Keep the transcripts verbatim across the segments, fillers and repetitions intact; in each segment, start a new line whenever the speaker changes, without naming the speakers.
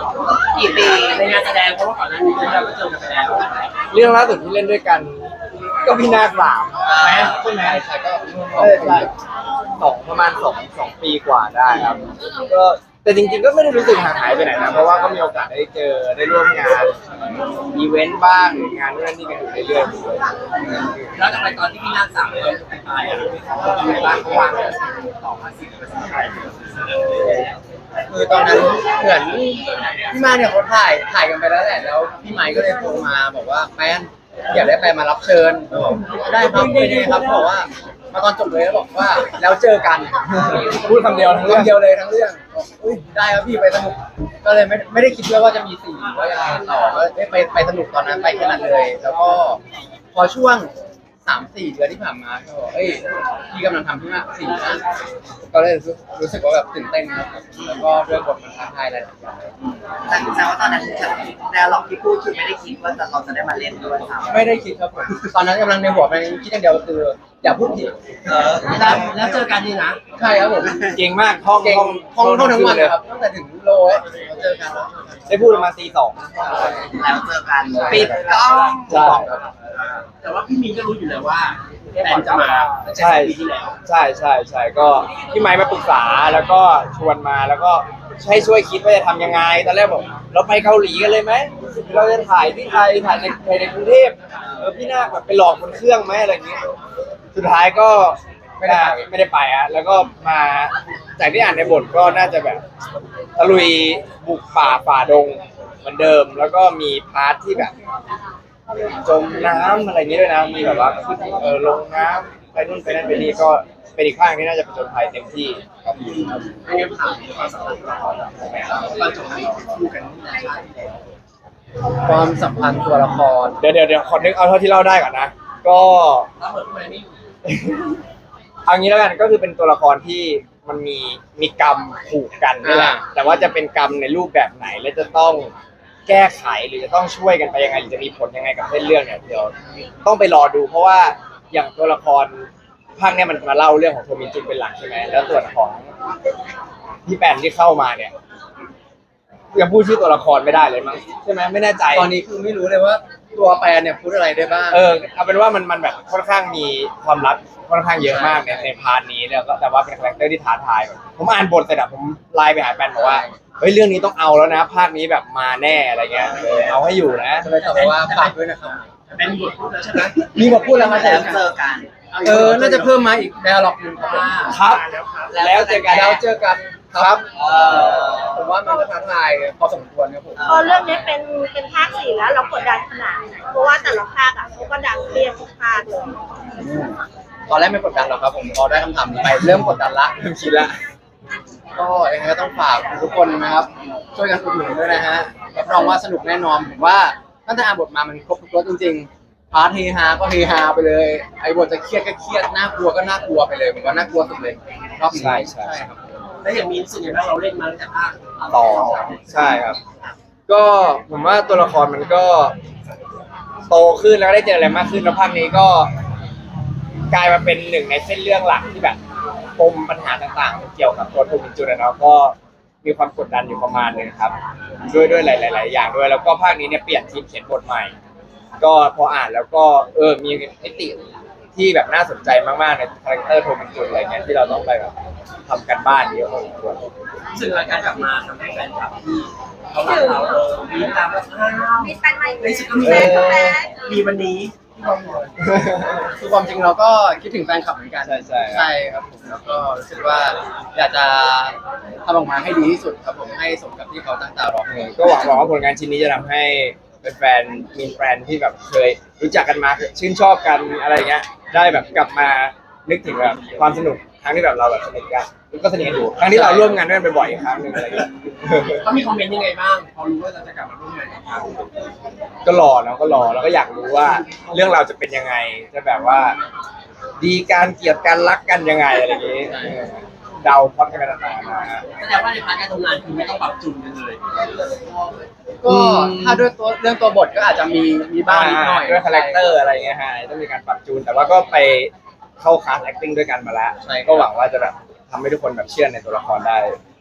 กี่ปีในงานแสดงเพราะว่าก่อนหน้านี้เราก็เจอกันไปแล้ว
เรื่องล่าสุดที่เล่นด้วยกันก็พี่นาคสามใช่ไหมใช่ก็ใช่ใช่สองประมาณสองสองปีกว่าได้ครับก็แต่จริงๆก็ไม่ได้รู้สึกห่างหายไปไหนนะเพราะว่าก็มีโอกาสได้เจอได้ร่วมงานอีเวนต์บ้างหรืองานนู่นนี่กันอยู่เรื่อยๆ
แล้วทำไมตอนที่พี่นาคสามเราจะไปตายอ่ะในบ้านเขาวางต่อมาสิบเปอร์เซ็นต์
คือตอนนั้นเหมือนพี่มาเนี่ยเขาถ่ายถ่ายกันไปแล้วแหละแล้วพี่ไมค์ก็เลยโทรมาบอกว่าแฟนอยากได้แฟนมารับเชิญได้ครับไม่ได้ครับบอกว่ามาตอนจบเลยแล้วบอกว่าแล้วเจอกัน
พูดคำเดียวทั้งเรื่อง
คำเดียวเลยทั้งเรื่องอุ้ยได้ครับพี่ไปสนุกก็เลยไม่ไม่ได้คิดด้วยว่าจะมีสี่หรือว่ายังไงต่อก็ไปไปสนุกตอนนั้นไปแค่นั้นเลย แล้วก็พอช่วงสามสี่เดือนที่ผ่านมาก็เอ้ยพี่กำลังทำที่มาสี่นะก็เลยรู้รู้สึกว่าแบบตื่นเต้นครับแล้วก็เรื่องบทมันท้าทายหลายๆอย่าง
แต่แสดงว่าตอนนั้นแนวหลอกที่พูดคือไม่ได้คิดว่าเราจะได้มาเล่นด้วยซ้ำ
ไม่ได้คิดครับผมตอนนั้นกำลังในหัวมันคิดอย่างเดียวคืออย่าพูดผิด
เออแล้วแล้วเจอกันนี่นะ
ใช่ครับผม
เก่งมากท่อง
เก่งท่องท่องทั้งวันเลยครับตั้งแต่ถึงโลเราเจอกันแล้ว
ได้พูดประมาณตีสอง
แล้วเจอกันปิดกล้อง
ใช่
แต่ว่าพี่มีนก็รู้อยู่แล้วว่าแฟนจะมา
ใช่ใช่ใช่ใช่ก็พี่ไม้มาปรึกษาแล้วก็ชวนมาแล้วก็ให้ช่วยคิดว่าจะทำยังไงตอนแรกบอกเราไปเกาหลีกันเลยไหมเราจะถ่ายที่ไทยถ่ายในในกรุงเทพเออพี่นาคแบบไปหลอกบนเครื่องไหมอะไรอย่างเงี้ยสุดท้ายก็ไม่ได้ไม่ได้ไปอะแล้วก็มาจากที่อ่านในบทก็น่าจะแบบตะลุยบุกป่าฝ่าดงเหมือนเดิมแล้วก็มีพาร์ทที่แบบจมน้ำอะไรอย่างนี้ด้วยนะมีแบบว่าขึ้นเออลงน้ำไปนู่นไปนั่นไปนี่ก็เป็นอีกข้างที่น่าจะเป็นจนภัยเต็มที่ครับ
ไม่งั้นถามความสัมพันธ์เราตอนจบที่คู่กันในชาติที่แล้ว
ความสัมพันธ์ตัวละคร
เดี๋ยวเดี๋ยวเดี๋ยวขอนึกเอาเท่าที่เล่าได้ก่อนนะก็
แล้วเหมือนทำไมไม่อยู่
เอางี้แล้วกันก็คือเป็นตัวละครที่มันมีมีกรรมผูกกันนี่แหละแต่ว่าจะเป็นกรรมในรูปแบบไหนและจะต้องแก้ไขหรือจะต้องช่วยกันไปยังไงหรือจะมีผลยังไงกับเส้นเรื่องเนี่ยเดี๋ยวต้องไปรอดูเพราะว่าอย่างตัวละครภาคเนี้ยมันมาเล่าเรื่องของโทมินจุนเป็นหลักใช่ไหมแล้วส่วนของพี่แปนที่เข้ามาเนี่ยยังพูดชื่อตัวละครไม่ได้เลยมั้งใช่ไหมไม่แน่ใจ
ตอนนี้คือไม่รู้เลยว่าตัวแปนเนี่ยพูดอะไรได้บ้าง
เออเอาเป็นว่ามันมันแบบค่อนข้างมีความลับค่อนข้างเยอะมากในในพาร์ทนี้แล้วก็แต่ว่าเป็นคาแรคเตอร์ที่ท้าทายแบบผมอ่านบทเสร็จอะผมไลน์ไปหาแฟนบอกว่าเฮ้ยเรื่องนี้ต้องเอาแล้วนะภาคนี้แบบมาแน่อะไรเงี้ยเออเอาให้อยู่นะ
เลยตอบว่าฝากด้วยนะครับ
เป็นบทพูดแล้วใช่ไหม
มีบทพูดแล้วมา
แล้วเจอกัน
เออน่าจะเพิ่มมาอีกแนวหลอกหนึ่งครับ
ครับแล้วเจอกัน
แล้วเจอกันครับผมว่ามันก็ท้าทายพอสมควรครับผม
พอเรื่องนี้เป็นเป็นภาคสี่แล้วเรากดดันขนาดไหนเพราะว่าแต่ละภาคอ่ะเขาก็ดังเรียกทุกภาคเลย
ตอนแรกไม่กดดันหรอกครับผมพอได้คำถามนี้ไปเริ่มกดดันละเริ่มคิดละก็ยังไงก็ต้องฝากทุกคนนะครับช่วยกันอุดหนุนด้วยนะฮะรับรองว่าสนุกแน่นอนผมว่าตั้งแต่อ่านบทมามันครบทุกรสจริงๆพาร์ทเฮฮาก็เฮฮาไปเลยไอ้บทจะเครียดก็เครียดน่ากลัวก็น่ากลัวไปเลยผมว่าน่ากลัวสุดเลยรอบนี้
ใช่ใช่
ครับ
แล้วอย่างมีนสุดอย่างเราเล่นมาตั้งแต่ภาค
ต่อใช่ครับก็ผมว่าตัวละครมันก็โตขึ้นแล้วได้เจออะไรมากขึ้นแล้วภาคนี้ก็กลายมาเป็นหนึ่งในเส้นเรื่องหลักที่แบบปมปัญหาต่างๆเกี่ยวกับตัวโทมินจุนนะก็มีความกดดันอยู่ประมาณนึงครับด้วยด้วยหลายๆอย่างด้วยแล้วก็ภาคนี้เนี่ยเปลี่ยนทีมเขียนบทใหม่ก็พออ่านแล้วก็เออมีมิติที่แบบน่าสนใจมากๆในคาแรคเตอร์โทมินจุนอะไรเงี้ยที่เราต้องไปแบบทำกันบ้านเยอะพอสมควร
ซึ่งรายการกลับมาทำให้แฟนคลับที่เขาหลังเรามีตามว่า
มีแฟนใหม่
ในสุดก็มีมีวันนี้
คือความจริงเราก็คิดถึงแฟนคลับเหมือนกัน
ใช่ใช่
ใช่ครับผมแล้วก็รู้สึกว่าอยากจะทำออกมาให้ดีที่สุดครับผมให้สมกับที่เขาตั้งตารอ
ก็หวังว่าผลงานชิ้นนี้จะทำให้แฟนมีแฟนที่แบบเคยรู้จักกันมาชื่นชอบกันอะไรเงี้ยได้แบบกลับมานึกถึงแบบความสนุกครั้งที่แบบเราแบบสนิทกันก็สนิทกันอยู่ครั้งที่เราร่วมงานด้วยกันบ่อยๆอีกครั้งหนึ่งอะไรเงี้ย
เขามีคอมเมนต์ยังไงบ้างพอรู้ว่าเราจะกลับมาร่วมงานกัน
ก็รอเนาะก็รอแล้วก็อยากรู้ว่าเรื่องเราจะเป็นยังไงจะแบบว่าดีการเกลียดกันรักกันยังไงอะไรอย่างงี้เดาพอดกันไปต่างๆนะ
แสดงว่าในพาร์ทการทำงานคือไม่ต้องปรับจูนกันเลย
ก็ถ้าด้วยตัวเรื่องตัวบทก็อาจจะมีมีบ้างนิดหน่อย
ด้วยคาแรคเตอร์อะไรเงี้ยฮะต้องมีการปรับจูนแต่ว่าก็ไปเข้าคลาส acting ด้วยกันมาแล้วก็หวังว่าจะแบบทำให้ทุกคนแบบเชื่อในตัวละครได้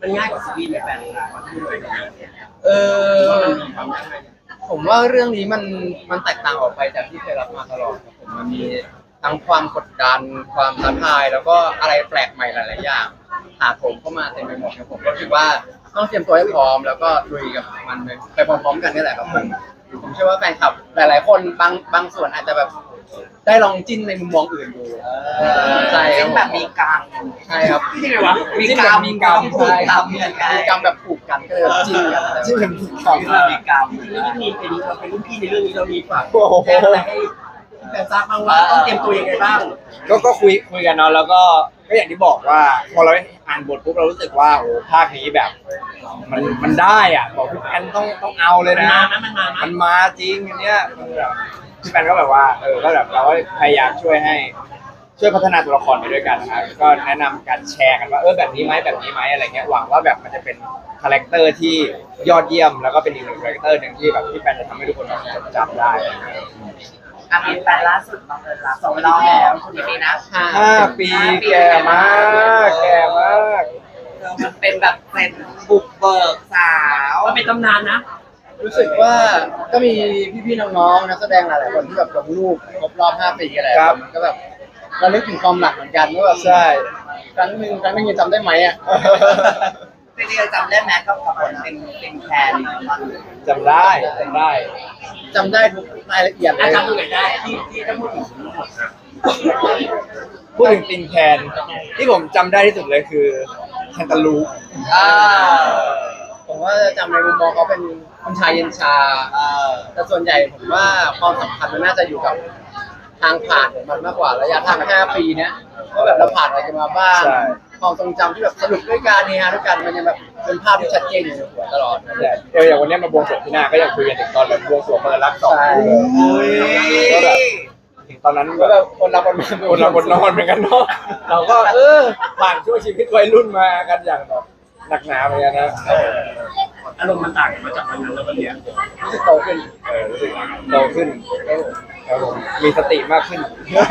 มันง่ายกว่าซีรีส์ไหมแฟนเรา
เออ
ว่ามันมีความยากง่าย
ผมว่าเรื่องนี้มันมันแตกต่างออกไปจากที่เคยรับมาตลอดครับผมมันมีทั้งความกดดันความท้าทายแล้วก็อะไรแปลกใหม่หลายๆอย่างถาโถมเข้ามาเต็มไปหมดครับผมก็คิดว่าต้องเตรียมตัวให้พร้อมแล้วก็ลุยกับมันไปพร้อมๆกันนี่แหละครับผมผมเชื่อว่าแฟนคลับหลายๆคนบางบางส่วนอาจจะแบบได้ลองจิ้นในมุมมองอื่นดูใช่ค
ซึ่
รับ
งแบบมีกลาง
ใช่ครับ
ที่ไงวะ
มีกรรมมีกรรม
ใช่
ใช่ครับมีกรรมแบบผูกกันก็เลยแบบจิ้นกันจิ้นกันผูกกัน
คือแบบมีกลาง
จริงๆนี่มีเป็นเราเป็นรุ่นพี่ในเรื่องนี้เรามีฝาก
โอ้โห
แจ้งอะไรให้แฟนทราบบ้างว่าต้องเตรียมตัวยังไงบ้าง
ก็ก็คุยคุยกันเนาะแล้วก็ก็อย่างที่บอกว่าพอเราอ่านบทปุ๊บเรารู้สึกว่าโอ้ภาคนี้แบบ มันมันได้อ่ะบอกพี่แอนต้องต้องเอาเลย
มัน
นะ
มาไหมมันมาไหม
มันมาจริงอันเนี้ยมันแบบพี่แอนก็แบบว่าเออก็แบบเราก็พยายามช่วยให้ช่วยพัฒนาตัวละครไปด้วยกันนะครับก็แนะนำการแชร์กันว่าเออแบบนี้ไหมแบบนี้ไหมอะไรเงี้ยหวังว่าแบบมันจะเป็นคาแรคเตอร์ที่ยอดเยี่ยมแล้วก็เป็นอีกหนึ่งคาแรคเตอร์หนึ่งที่แบบพี่แอนจะทำให้ทุกคนแบบจดจำได้
อ่ะมีแฟนล่าสุดบังเอิญรักสองรอบแล้วคุณนี้นะ
ห้าปีแก่มากแก่มาก
เออมันเป็นแบบเป็นบุกเบิกสาว
ว่าเป็นตำนานนะ
รู้สึกว่าก็มีพี่ๆน้องๆนักแสดงหลายๆคนที่แบบลงรูปครบรอบห้าปีอะไร
ครับ
มันก็แบบเราลึกถึงความหลักเหมือนกันว่าแบบ
ใช่
ครั้งหนึ่งครั้งหนึงยังจำได้ไหมอ่ะ
จริงๆจำได้ไหมกับกับคนเป็นเป็นแคนตอน
จำได้จำได้
จำได้ทุกรายละเอียดเล
อาย จารย์ตรงไหนได้ที่ที่ถ้าพูดถึงทั้งหมดนะ
พูดถึงตินแคนที่ผมจำได้ที่สุดเลยคือแคนตาลูป
อ่า
ผมว่าจะจำในมุมมองเขาเป็นคุณชายเย็นชา
เออ
แต่ส่วนใหญ่ผมว่าความสำคัญมันน่าจะอยู่กับทางผ่านของมันมากกว่าระยะทางห้าปีเนี้ยว่าแบบเราผ่านอะไรกันมาบ้าง
ใช่
ความทรงจำที่แบบสนุกด้วยกันเฮฮาด้วยกันมันยังแบบเป็นภาพที่ชัดเจนอยู่ในหัวตลอด
แต่เอออย่างวันเนี้ยมาบวงสรวงที่หน้าก็ยังคุยกันถึงตอนแบบบวงสรวงเปิดรักสอง
ใช่
คู่เลยก็แบบถึงตอนนั้น
ก็
แบ
แบบ บคนรักคนมา
คนเราคนนอนเหมือนกันเนาะเราก็เออผ่านช่วงชีวิตวัยรุ่นมากันอย่างแบบหนักหนาเหมือนกันนะ
อารมณ์มันต่างกันมาจากวันนั้นแล้ววันเนี้ย
รู้สึกโตขึ้น
เออรู้สึกโตขึ้นครับผมมีสติมากขึ้น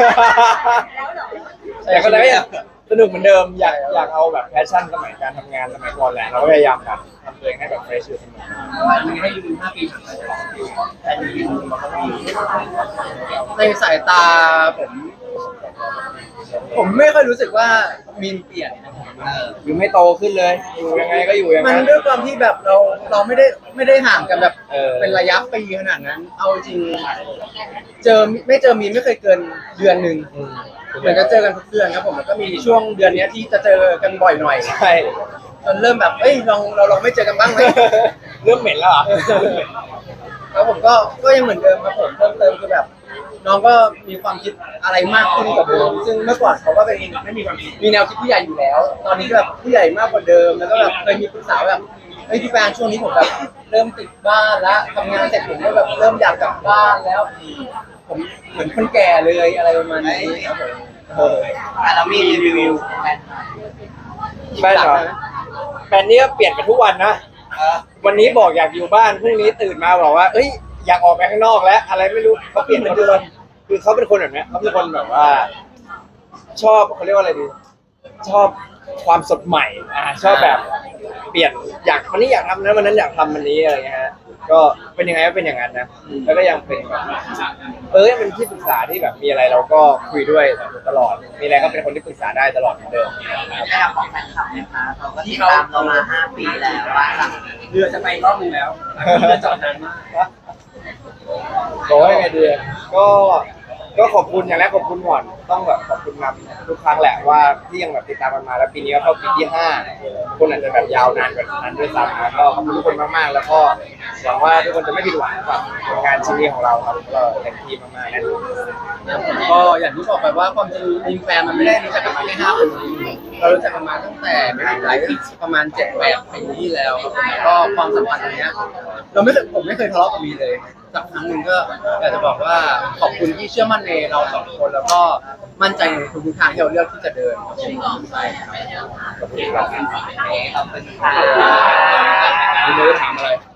แต่ก็เลยยังสนุกเหมือนเดิมอยากอยากเอาแบบแพชชั่นสมัยการทำงานสมัยก่อนแหละเราก็พยายามแบบทำตัวเองให้แบบเฟรชอยู่เสมอ
มีให้ยืนห้าปีผ่านไปแต่มีมันก็มี
ในสายตาผม ผมไม่ค่อยรู้สึกว่ามีนเปลี่ยนนะผม
อยู่ไม่โตขึ้นเลยอยู่ยังไงก็อยู่อย่าง
มัน
นั้น
ด้วยความที่แบบเราเราไม่ได้ไม่ได้ห่างกันแบบ
เออ
เป็นระยะปีขนาดนั้น เอาจริง เจอไม่เจอมีนไม่เคยเกินเดือนหนึ่ง
อืม
เหมือนจะเจอกันทุกเดือนครับผมแล้วก็มีช่วงเดือนเนี้ยที่จะเจอกันบ่อยหน่อย
ใช่
จนเริ่มแบบเอ้ยลองเราลองไม่เจอกันบ้างไหม
เริ่มเหม็นแล้วเหรอ
แล้วผมก็ก็ยังเหมือนเดิมครับผมเพิ่มเติมคือแบบ น้องก็มีความคิดอะไรมากขึ้นกว่าเดิมซึ่งเมื่อก่อนเขาก็เป็น
ไม่มีความคิด
มีแนวคิดผู้ใหญ่อยู่แล้ว ตอนนี้ก็แบบผู้ใหญ่มากกว่าเดิมแล้วก็แบบเคยมีปรึกษาแบบเฮ้ยพี่แฟนช่วงนี้ผมแบบเริ่มติดบ้านแล้วทำงานเสร็จผมก็แบบเริ่มอยากกลับบ้านแล้ว ผมเหมือนคนแก่เลยอะไรประมาณนี้ครับผมเออ
อ่ะเรามีรีวิวแฟน
แฟนเหรอแฟนนี่ก็เปลี่ยนไปทุกวันนะ
เออ
วันนี้บอกอยากอยู่บ้านพรุ่งนี้ตื่นมาบอกว่า เอ้ยอยากออกไปข้างนอกแล้ว อะไรไม่รู้เขาเปลี่ยนเหมือนเดิมคือเขาเป็นคนแบบเนี้ยเขาเป็นคนแบบว่า ชอบเขาเรียกว่าอะไรดี ชอบความสดใหม่ อ่า ชอบแบบเปลี่ยนอยากวันนี้อยากทำนะวันนั้นอยากทำวันนี้อะไรเงี้ยฮะก็เป็นยังไงก็เป็นอย่างนั้นนะแล้วก็ยังเป็นแบบเออเป็นที่ปรึกษาที่แบบมีอะไรเราก็คุยด้วยตลอด มีอะไรก็เป็นคนที่ปรึกษาได้ตลอดเหมือนเดิม
ได้รับของแฟนคลับนะคะเขาก็ติดตามเรามาห้าปีแล้วว่าหลัง
เรือจะไปรอบนึงแล้วเรือจอดนานมาก
บอกว่ายังไงดีก็ก็ขอบคุณอย่างแรกขอบคุณก่อนต้องแบบขอบคุณนำทุกครั้งแหละว่าที่ยังแบบติดตามกันมาแล้วปีนี้ก็เข้าปีที่ห้าคนอาจจะแบบยาวนานกว่านั้นด้วยซ้ำนะก็ขอบคุณทุกคนมากๆ แล้วก็หวังว่าทุกคนจะไม่ผิดหวังกับผลงานชิ้นนี้ของเราครับก็เต็มที่มากๆแน่นอน
ก็อย่างที่บอกไปว่าความจริงมีแฟนมันไม่ได้รู้จักกันมาแค่ห้าปีเรารู้จักกันมาตั้งแต่หลายปีประมาณเจ็ดแปดปีที่แล้วครับผมก็ความสัมพันธ์ตรงเนี้ยเราไม่เคยผมไม่เคยทะเลาะกับมีเลยสักครั้งหนึ่งก็อยากจะบอกว่าขอบคุณที่เชื่อมั่นในเราสองคนแล้วก็มั่นใจในทุกๆทางที่เราเลือกที่จะเดินครับผมใช่ครับ
ขอบคุณครับ
ขอบคุณค่ะ
มีมือถามอะไร